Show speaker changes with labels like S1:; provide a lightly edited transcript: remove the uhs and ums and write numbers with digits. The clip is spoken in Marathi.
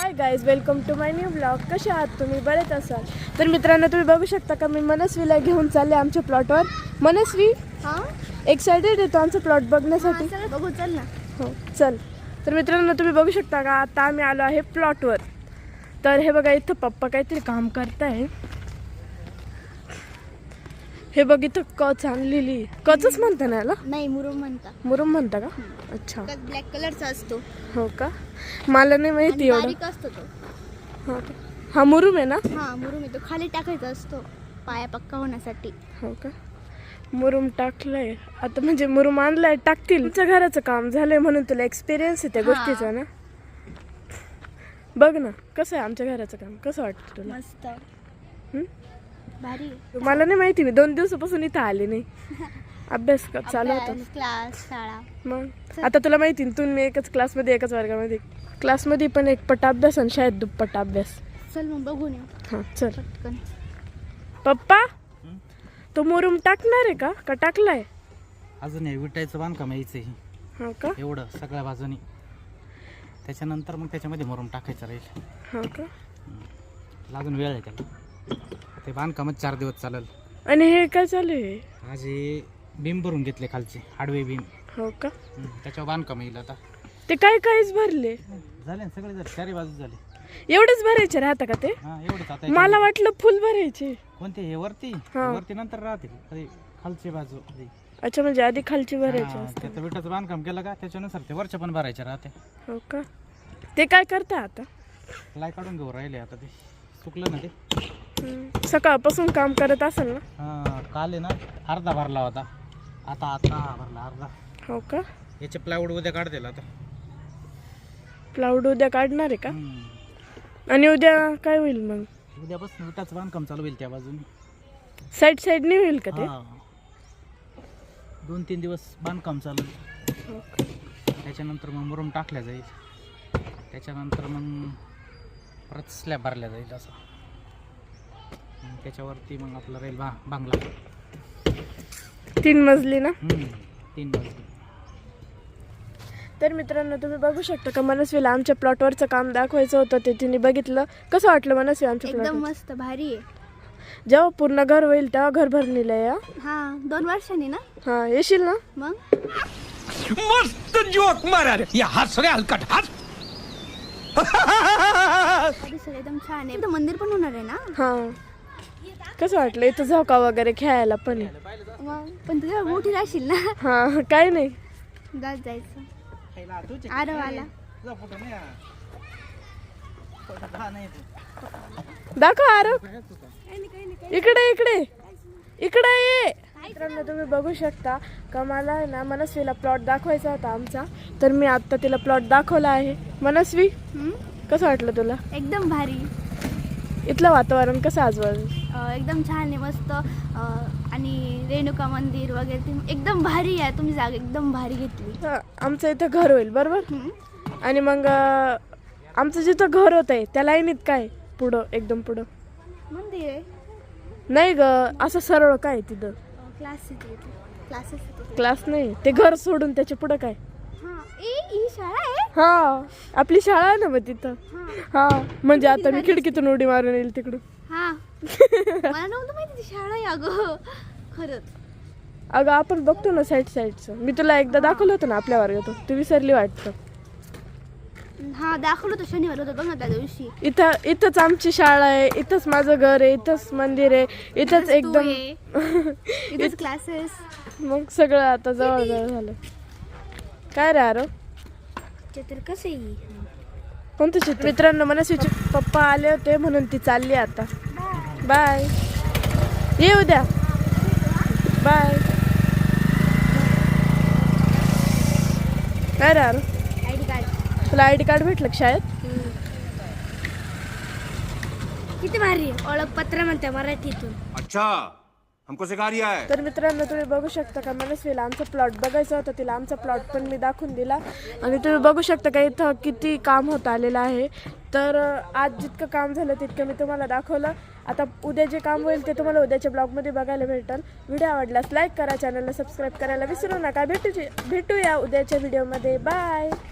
S1: High guys, welcome to my new blog. कसे आहात तुम्ही? बरेच असाल. तर मित्रांनो, तुम्ही बघू शकता का मी मनस्वीला घेऊन चालले आमच्या प्लॉटवर. मनस्वी एक्सायटेड येतो आमचा प्लॉट बघण्यासाठी.
S2: बघू चल ना.
S1: हो चल. तर मित्रांनो, तुम्ही बघू शकता का आता आम्ही आलो आहे प्लॉटवर. तर हे बघा, इथं पप्पा काहीतरी काम करताय. हे बघ, इथं कच आणलेली. कचच म्हणता ना याला?
S2: नाही, मुरुम म्हणता.
S1: मुरुम म्हणता का? अच्छा.
S2: ब्लॅक कलरचा असतो.
S1: हो का? मला नाही माहिती एवढं.
S2: बारीक असतो तो.
S1: हो का? हा मुरुम आहे ना?
S2: हा मुरुम आहे, तो खाली टाकायचा असतो पाया पक्का होण्यासाठी.
S1: हो का? मुरुम टाकलंय आता, म्हणजे मुरुम आणलाय, टाकतील. तुमच्या घराचं काम झालंय म्हणून तुला एक्सपिरियन्स आहे त्या गोष्टीचा ना. बघ ना कसं आहे आमच्या घराचं काम. कसं वाटतं तुला?
S2: मस्त भारी.
S1: मला नाही माहिती, मी 2 दिवसापासून इथं आले नाही. अभ्यास चालू होता ना.
S2: क्लास शाळा.
S1: मग आता तुला माहिती ना, तू मी एकच क्लासमध्ये, एकाच वर्गामध्ये. क्लासमध्ये पण एक पट अभ्यास आणि शाळेत दुप्पट अभ्यास.
S2: चल मग बघून येऊ.
S1: हां चल.
S2: पटकन.
S1: पप्पा, तो मुरुम टाकणार आहे का टाकलाय?
S3: अजून हे विटायचं बांधकाम यायचं ही.
S1: हो का?
S3: एवढं सगळ्या बाजूनी. त्याच्यानंतर मग त्याच्यामध्ये मुरुम टाकायचं राहील.
S1: हो का?
S3: अजून वेळ आहे त्याला. ते बांधकामच 4 दिवस चालेल.
S1: आणि हे काय चालू आहे?
S3: आज हे बीम भरून घेतले खालचे, हाडवे बीम.
S1: हो का?
S3: त्याच्यावर बांधकाम येईल आता.
S1: ते काहीच भरले
S3: झाले ना सगळे, झाले 4 बाजू झाले.
S1: एवढेच भरायचे राहता का ते?
S3: हा एवढंच आता.
S1: मला वाटलं फुल भरायचे.
S3: कोणते हे वरती?
S1: हा.
S3: वरती नंतर राहतील. अरे खालची बाजू.
S1: अच्छा, म्हणजे आधी खालची भरायची असते.
S3: त्याचं विटाचं बांधकाम केलं का त्याच्यानुसार ते वरच्या पण भरायचे राहते.
S1: हो का? ते काय करता आता?
S3: प्लाय काढून घेऊ राहिले आता. ते सुकलं ना ते.
S1: सकाळपासून काम करत असेल ना?
S3: हा काल आहे ना अर्धा भरला होता. आता भरला अर्धा.
S1: हो का?
S3: याचे प्लायवूड उद्या काढतील आता.
S1: प्लाउड उद्या काढणार आहे का? आणि उद्या काय होईल मग?
S3: उद्यापासून विटाचं बांधकाम चालू होईल त्या बाजूने.
S1: साईड नाही होईल का ते?
S3: 2-3 दिवस बांधकाम चालू.
S1: हो का?
S3: त्याच्यानंतर मग मुरुम टाकल्या जाईल. त्याच्यानंतर मग परत स्लॅब भरल्या जाईल असं. त्याच्यावरती मग आपला राहील बांगला.
S1: 3 मजली ना?
S3: 3 मजली.
S1: तर मित्रांनो, तुम्ही बघू शकता का मनस्वीला आमच्या प्लॉटवरचं काम दाखवायचं होतं, ते तिने बघितलं. कसं वाटलं मनस्वी आमच्या
S2: एकदम
S1: प्लॉट?
S2: मस्त भारी आहे.
S1: जेव्हा पूर्ण घर होईल तेव्हा घर भरणीला या.
S2: हा 2 वर्षांनी ना.
S1: हा येशील ना?
S2: मग
S4: मस्त जोक मारा रे. या हस रे हलकट हस.
S2: परिसर एकदम छान आहे. इथं मंदिर पण होणार आहे ना.
S1: हा. कसं वाटलं? इथं झोका वगैरे खेळायला पण आहे.
S2: मग पण तुझ्या मोठी राहशील ना.
S1: हा काय नाही.
S2: जायचं आरवाला.
S1: दाखव आरोप. इकडे इकडे इकडे ये. मित्रांनो, तुम्ही बघू शकता का मला आहे ना मनस्वीला प्लॉट दाखवायचा होता आमचा. तर मी आता तिला प्लॉट दाखवला आहे. मनस्वी, कसं वाटलं तुला?
S2: एकदम भारी.
S1: इथलं वातावरण कसं आजूबाजू?
S2: एकदम छान आहे, मस्त. आणि रेणुका मंदिर वगैरे ते एकदम भारी आहे. तुम्ही जागा एकदम भारी घेतली.
S1: आमचं इथं घर होईल बरोबर. आणि मग आमचं जिथं घर होत आहे त्या लाईनीत काय पुढं, एकदम पुढं
S2: मंदिर आहे.
S1: नाही ग, असं सरळ काय तिथं?
S2: क्लासेस.
S1: क्लास नाही, ते घर सोडून त्याच्या पुढं काय?
S2: ही शाळा आहे.
S1: हा आपली शाळा आहे ना मग तिथं. हा म्हणजे आता मी खिडकीतून उडी मारून येईल तिकडून.
S2: हा मला नव्हतं माहिती ती शाळा आहे अगं. खरंच.
S1: अगं आपण बघतो ना साईडचं. मी तुला एकदा दाखवलं होतं ना आपल्या वर्गातून, तू विसरली वाटतं.
S2: हा दाखवलं होतं, शनिवार होतं बघ ना त्या दिवशी.
S1: इथंच आमची शाळा आहे, इथंच माझं घर आहे, इथंच मंदिर आहे, इथंच एकदम
S2: इथंच क्लासेस.
S1: मग सगळं आता जवळ झालं. काय रे आरो?
S2: चित्र कसं आहे?
S1: कोणतं चित्र? मित्रांनो, मनस्वीचे पप्पा आले होते म्हणून ती चालली आता. बाय. ये उद्या. बाय. काय रे आरो?
S2: ID card.
S1: तुला आयडी कार्ड भेटलं का शाळेत?
S2: किती भारी आहे. ओळखपत्र म्हणते मराठीतून.
S4: अच्छा हमको सिखा रिया है.
S1: तर मित्रांनो, तुम्ही बघू शकता का मनस्वीला आमचा प्लॉट बघायचा होता. तिला आमचा प्लॉट पण मी दाखवून दिला. आणि तुम्ही बघू शकता का इथं किती काम होत आलेलं आहे. तर आज जितकं काम झालं तितकं मी तुम्हाला दाखवलं. आता उद्या जे काम होईल ते तुम्हाला उद्याच्या ब्लॉगमध्ये बघायला भेटेल. व्हिडिओ आवडल्यास लाईक करा, चॅनलला सबस्क्राईब करायला विसरू नका. भेटूया उद्याच्या व्हिडिओमध्ये. बाय.